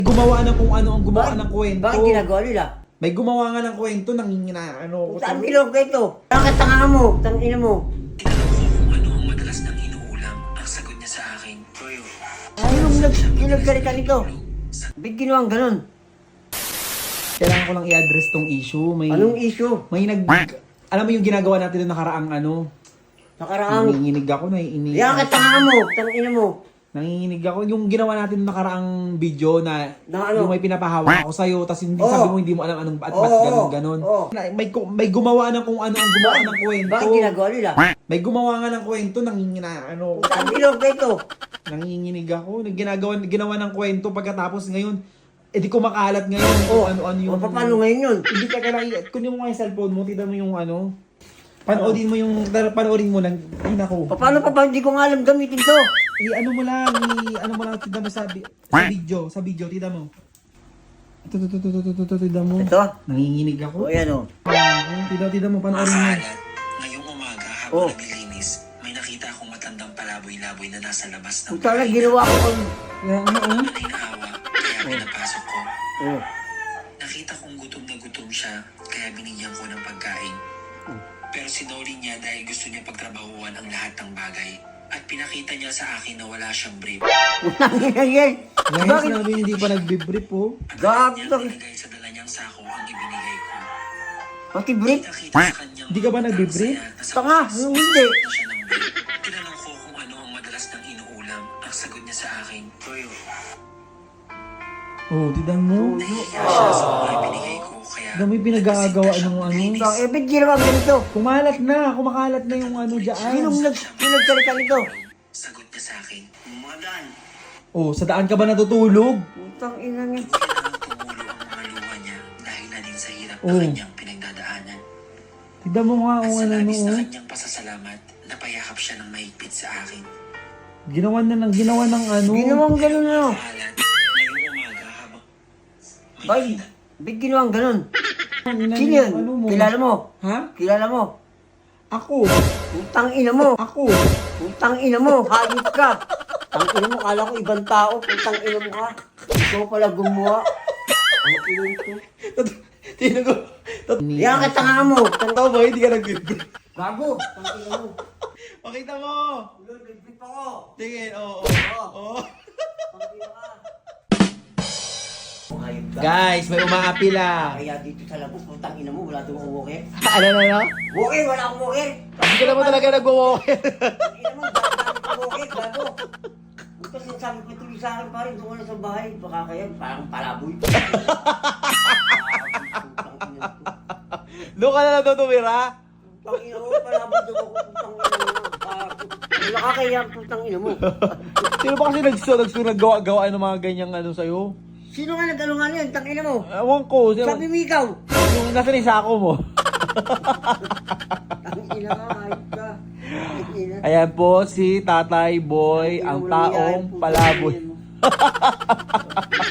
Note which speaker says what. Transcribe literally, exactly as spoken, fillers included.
Speaker 1: Gumawa na kung ano ang gumawa
Speaker 2: Bakit?
Speaker 1: ng kwento.
Speaker 2: Bakit ginagawa nila?
Speaker 1: May gumawa nga ng kwento, nangingina, ano.
Speaker 2: Saan ginawa kwento? Bakit tanga mo? Tangina mo?
Speaker 3: Kung ano ang madalas nang inuulam, ang sagot niya sa akin, Toyo,
Speaker 2: Anong nag kinagsalita nito? Ba't ginawang ganun?
Speaker 1: Kailangan ko lang i-address tong issue. May,
Speaker 2: Anong issue?
Speaker 1: may nag... Alam mo yung ginagawa natin noong nakaraang ano?
Speaker 2: Nakaraang...
Speaker 1: Nanginginig ako, naiinig.
Speaker 2: Yan ka tanga mo? Tangina mo?
Speaker 1: Nanginginig ako. Yung ginawa natin noong nakaraang video na,
Speaker 2: Na ano?
Speaker 1: yung may pinapahawak ako sa'yo, tapos hindi
Speaker 2: Oo.
Speaker 1: sabi mo hindi mo alam anong at
Speaker 2: Oo,
Speaker 1: ba't
Speaker 2: oo,
Speaker 1: ganun ganon.
Speaker 2: oo.
Speaker 1: Na- May, gu- may gumawa na kung ano ang gumawa ng kwento.
Speaker 2: Bakit ginagawa nila?
Speaker 1: May gumawa nga ng kwento, nangingina, ano.
Speaker 2: Saan ginawa kwento?
Speaker 1: Nanginginig ako. Ginagawa, ginawa ng kwento pagkatapos ngayon, eh di kumakalat ngayon
Speaker 2: Oh,
Speaker 1: kung ano-ano yung...
Speaker 2: O paano ngayon yun?
Speaker 1: Hindi ka lang, kunin mo nga yung cellphone mo, tignan mo yung ano. Panoodin mo yung, panoorin mo lang, ay nako.
Speaker 2: Pa- Paano pa ba? Hindi ko nga alam gamitin to.
Speaker 1: I ano mo lang, i ano mo lang, tignan mo sa, bi- sa video, sa video, tignan mo. Ito, ito, ito, ito, ito, ito, tignan mo.
Speaker 2: Ito?
Speaker 1: Nanginginig
Speaker 2: O
Speaker 1: ako.
Speaker 2: yan o.
Speaker 1: Ah, Tignan, tignan mo, panoorin mo.
Speaker 3: Maalat, ngayong umaga
Speaker 2: Oh.
Speaker 3: habang naglilinis, may nakita akong matandang palaboy-laboy na nasa labas ng
Speaker 2: Kung talaga ginawa ko kung...
Speaker 1: Yan, ano, ano?
Speaker 3: Ay naawa, kaya pinapasok ko.
Speaker 2: Oh.
Speaker 3: Nakita kong gutom na gutom siya, kaya binigyan ko ng pagkain. Pero sinuri niya dahil gusto niya pagtrabahuan ang lahat ng bagay. At pinakita niya sa akin na wala siyang brief.
Speaker 2: Tangina yan.
Speaker 1: Yan,
Speaker 2: Bakit?
Speaker 1: sinabi hindi pa nagbibrief oh.
Speaker 2: Gago
Speaker 3: Niya
Speaker 2: to.
Speaker 3: nilagay sa dala niyang sako ang ibinigay ko.
Speaker 2: Pati brief?
Speaker 3: Nakita sa kanyang
Speaker 1: Di ka ba nagbibrief?
Speaker 3: masaya na sa
Speaker 2: Tanga,
Speaker 3: oras,
Speaker 2: yung hindi.
Speaker 3: na siya ng brief. Tinanong ko kung ano ang madalas nang inuulam. Ang sagot niya sa akin, Toyo,
Speaker 1: Oh, tignan mo.
Speaker 3: nahihiya siya sa mga ibinigay ko. Kaya
Speaker 1: Tignan mo yung pinag-aagawa ng ano.
Speaker 2: Tang, eh, ba't ginawa ganito?
Speaker 1: Kumalat na, kumakalat na yung ano dyan.
Speaker 2: Sinong nag kinagsalita nito?
Speaker 3: sagot niya sa akin, Madan,
Speaker 1: Oh, sa daan ka ba natutulog?
Speaker 2: Putang ina niya.
Speaker 3: kailangan tumulo ang mga luha niya dahil na din sa hirap na
Speaker 1: Oh.
Speaker 3: kanyang pinagdadaanan.
Speaker 1: Tignan mo nga
Speaker 3: At
Speaker 1: kung
Speaker 3: sa
Speaker 1: ano
Speaker 3: labis na
Speaker 1: no.
Speaker 3: kanyang pasasalamat, napayakap siya ng mahigpit sa akin.
Speaker 1: Ginawa na ng ginawa ng ano.
Speaker 2: Ginawang ganun ano?
Speaker 3: Maalat, ngayong umaga habang may
Speaker 2: Bay,
Speaker 3: nakita-
Speaker 2: ba't ginawang ganun?
Speaker 1: Ang ina
Speaker 2: Sino
Speaker 1: niya,
Speaker 2: yun?
Speaker 1: ano mo?
Speaker 2: Kilala mo?
Speaker 1: Ha?
Speaker 2: Kilala mo?
Speaker 1: Ako.
Speaker 2: Putang ina mo.
Speaker 1: Ako.
Speaker 2: Putang ina mo. Hayop ka. Putang ina mo. Kala ko ibang tao. Putang ina mo ka. Ikaw pala gumawa. Ang ina ko.
Speaker 1: Tingnan ko.
Speaker 2: Yan ka tanga mo. Tang-
Speaker 1: Tama ba? Hindi ka nag-brief.
Speaker 2: Gago. Putang ina mo.
Speaker 1: Pakita mo.
Speaker 2: Ulo, nag-brief ako.
Speaker 1: Tingin, oo.
Speaker 2: Oo.
Speaker 1: Oo.
Speaker 2: Putang ina ka. Hayop ka.
Speaker 1: Guys, may umaapila.
Speaker 2: Kaya dito sa labas, putang ina mo. Wala doon akong walker.
Speaker 1: Ano na na?
Speaker 2: Walker, wala akong walker.
Speaker 1: Hindi ka naman talaga nag-walker.
Speaker 2: Putang ina mo. Dami akong walker. Gago. Buta sinasabi ko tuloy sa akin pa rin. Doon ka na sa bahay. Baka kaya parang palaboy. Putang ina ko.
Speaker 1: Doon ka na lang tumira.
Speaker 2: Putang ina mo, palaboy doon ako. Putang ina mo. Gago. Wala ka kaya putang ina mo.
Speaker 1: Sino ba kasi nagsu naggawa-gawa ng mga ganyang ano sa'yo?
Speaker 2: Sino nga nag-ano nga yan? Tang ina mo.
Speaker 1: Ewan ko. Sino,
Speaker 2: Sabi mo ikaw.
Speaker 1: yung nasa ni sako mo.
Speaker 2: Tang ina ka, hayop ka. Tang ina.
Speaker 1: Ayan po si Tatay Boy, ang
Speaker 2: Walang
Speaker 1: taong
Speaker 2: iyayan, putang
Speaker 1: palaboy.
Speaker 2: ina mo.